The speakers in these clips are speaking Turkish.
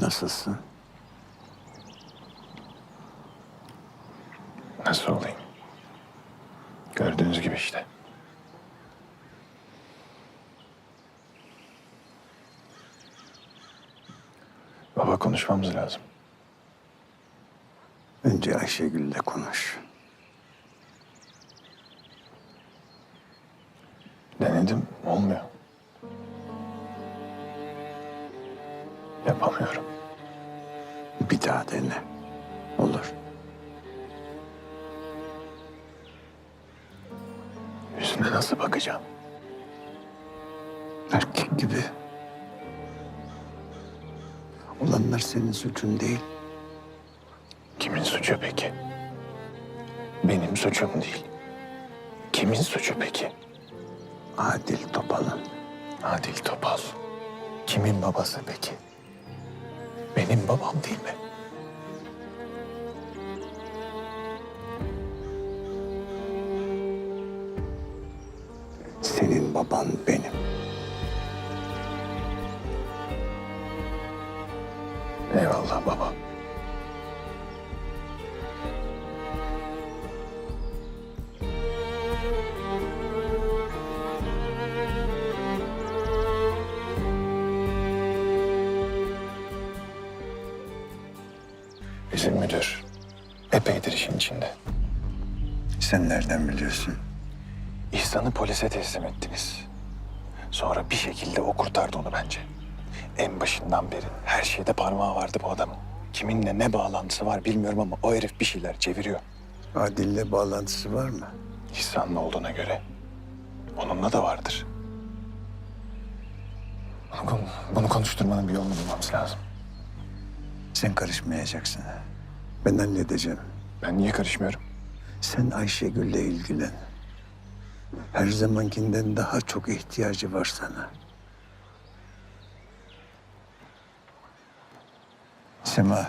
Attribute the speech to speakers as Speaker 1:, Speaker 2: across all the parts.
Speaker 1: Nasılsın?
Speaker 2: Nasıl olayım? Gördüğünüz gibi işte. Baba konuşmamız lazım.
Speaker 1: Önce Ayşegül'le konuş.
Speaker 2: Denedim, olmuyor. Yapamıyorum.
Speaker 1: Bir daha dene. Olur.
Speaker 2: Yüzüne nasıl bakacağım?
Speaker 1: Erkek gibi. Olanlar senin suçun değil.
Speaker 2: Kimin suçu peki? Benim suçum değil. Kimin suçu peki?
Speaker 1: Adil Topal'ın.
Speaker 2: Adil Topal. Kimin babası peki? Benim babam değil mi?
Speaker 1: Senin baban benim.
Speaker 2: Eyvallah baba. Bizim müdür epeydir işin içinde.
Speaker 1: Sen nereden biliyorsun?
Speaker 2: İhsan'ı polise teslim ettiniz. Sonra bir şekilde o kurtardı onu bence. En başından beri her şeyde parmağı vardı bu adamın. Kiminle ne bağlantısı var bilmiyorum ama o herif bir şeyler çeviriyor.
Speaker 1: Adil'le bağlantısı var mı?
Speaker 2: İhsan'la olduğuna göre onunla da vardır. Bunu konuşturmanın bir yolunu bulmamız lazım.
Speaker 1: Sen karışmayacaksın. Ben halledeceğim.
Speaker 2: Ben niye karışmıyorum?
Speaker 1: Sen Ayşegül'le ilgilen. Her zamankinden daha çok ihtiyacı var sana. Sema.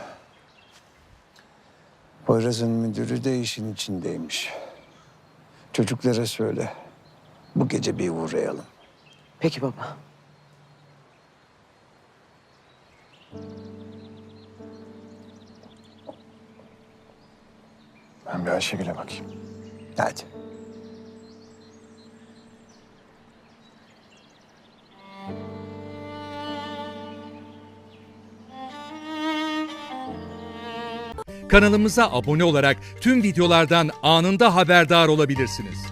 Speaker 1: Poyraz'ın müdürü de işin içindeymiş. Çocuklara söyle. Bu gece bir uğrayalım.
Speaker 3: Peki baba.
Speaker 2: Ben bir Ayşegül'e bakayım.
Speaker 1: Hadi.
Speaker 4: Kanalımıza abone olarak tüm videolardan anında haberdar olabilirsiniz.